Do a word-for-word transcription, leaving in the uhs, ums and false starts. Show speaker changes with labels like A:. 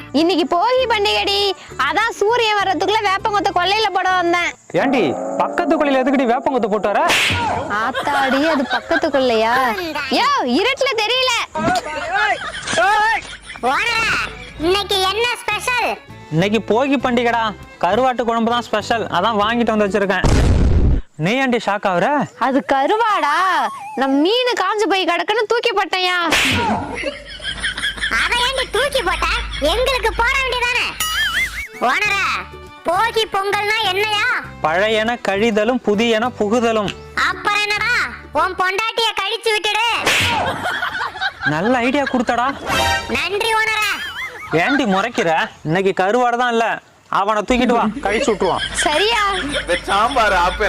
A: இன்னைக்கு போகி பண்டிகைடி, அதான் சூரியன் வர்றதுக்குள்ள வேப்பங்கொத்த கொல்லையில போட வந்தேன்.
B: ஏண்டி பக்கத்து கொல்லையில எதுக்குடி வேப்பங்கொத்த போட்டு வர?
A: ஆத்தாடி, அது பக்கத்து கொல்லையா? யோ, இருட்டுல தெரியல.
C: இன்னைக்கு என்ன ஸ்பெஷல்?
B: இன்னைக்கு போகி பண்டிகைடா, கருவாட்டு குழம்பு தான் ஸ்பெஷல். அதான் வாங்கிட்டு வந்து வச்சிருக்கேன். நீ ஏண்டி ஷாக் ஆகுற?
A: அது கருவாடா, நான் மீன் காஞ்சு போய் கிடக்குன்னு தூக்கி போட்டேன்யா.
C: அத ஏண்டி தூக்கி போட்ட? எங்களுக்கு போட வேண்டியதானே? ஓனரா, போகி பொங்கல்னா என்னையா?
B: பழையன கழிதலும் புதியன புகுதலும்.
C: அப்புறம் என்னடா, உன் பொண்டாட்டிய கழிச்சு விட்டுடு.
B: நல்ல ஐடியா கொடுத்தடா.
C: நன்றி ஓனரா.
B: ஏண்டி முறைக்கிற? இன்னைக்கு கருவாடு தான் இல்ல, அவனை தூக்கிட்டு வா, கழிச்சு விட்டுருவான்.
A: சரியா?
D: சாம்பார்